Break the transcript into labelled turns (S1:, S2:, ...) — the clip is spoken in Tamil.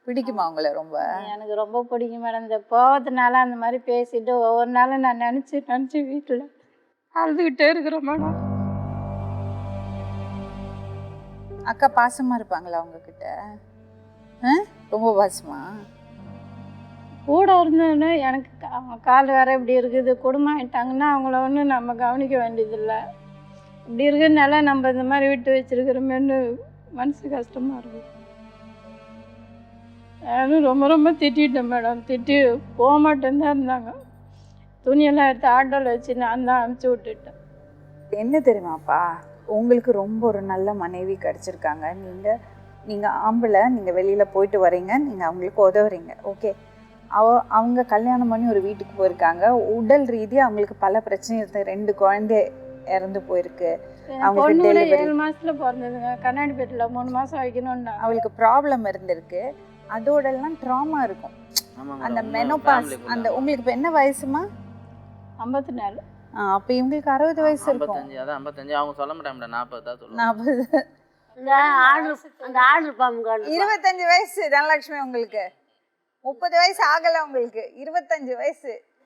S1: பிடிக்குமா உங்களை ரொம்ப?
S2: எனக்கு ரொம்ப பிடிக்கும் மேடம். இந்த போகிறதுனால அந்த மாதிரி பேசிட்டு ஒவ்வொரு நாளும் நான் நினச்சி வீட்டில் அழுதுகிட்டே இருக்கிறேன் மேடம்.
S1: அக்கா பாசமா இருப்பாங்களா உங்ககிட்ட? ரொம்ப பாசமா?
S2: கூட இருந்தோன்னா எனக்கு அவங்க கால் வேற இப்படி இருக்குது, குடும்பம் ஆகிட்டாங்கன்னா அவங்கள ஒன்றும் நம்ம கவனிக்க வேண்டியதில்லை. இப்படி இருக்கிறதுனால நம்ம இந்த மாதிரி விட்டு வச்சிருக்கிறோமேன்னு மனசு கஷ்டமாக இருக்குது. நானும் ரொம்ப ரொம்ப திட்டேன் மேடம். திட்டி போக மாட்டேன்னு தான் இருந்தாங்க. துணியெல்லாம் எடுத்து ஆட்டோவில் வச்சு நான் தான் அனுப்பிச்சி விட்டுட்டேன்.
S1: என்ன தெரியுமாப்பா, உங்களுக்கு ரொம்ப ஒரு நல்ல மனைவி கிடச்சிருக்காங்க. நீங்கள் ஆம்பளை, நீங்கள் வெளியில் போயிட்டு வரீங்க, நீங்கள் அவங்களுக்கு உதவுறீங்க, ஓகே. அவங்க கல்யாணம் பண்ணி ஒரு வீட்டுக்கு போயிருக்காங்க. உடல் ரீதியாக அவங்களுக்கு பல பிரச்சனை இருக்குது. 2 குழந்தை இறந்து போயிருக்கு.
S2: அவங்களுக்கு 7 மாதத்தில் பிறந்ததுங்க. கண்ணாடிப்பேட்டில் 3 மாதம் வைக்கணும்னா
S1: அவங்களுக்கு ப்ராப்ளம் இருந்திருக்கு. அதோடெல்லாம் ட்ராமா இருக்கும். அந்த மெனோபாஸ் அந்த உங்களுக்கு இப்போ என்ன வயசுமா?
S2: 54.
S1: அப்போ இவங்களுக்கு 60 வயசு இருக்கும்.
S3: 55. அதான் 55. அவங்க சொல்ல மாட்டாங்க 40 தான் சொல்லுவாங்க.
S1: 40.
S4: அந்த ஆர்டர் பாம்பு
S1: 25 வயசு தனலட்சுமி உங்களுக்கு. 30 வயசு ஆகலை உங்களுக்கு, 25 வயசு.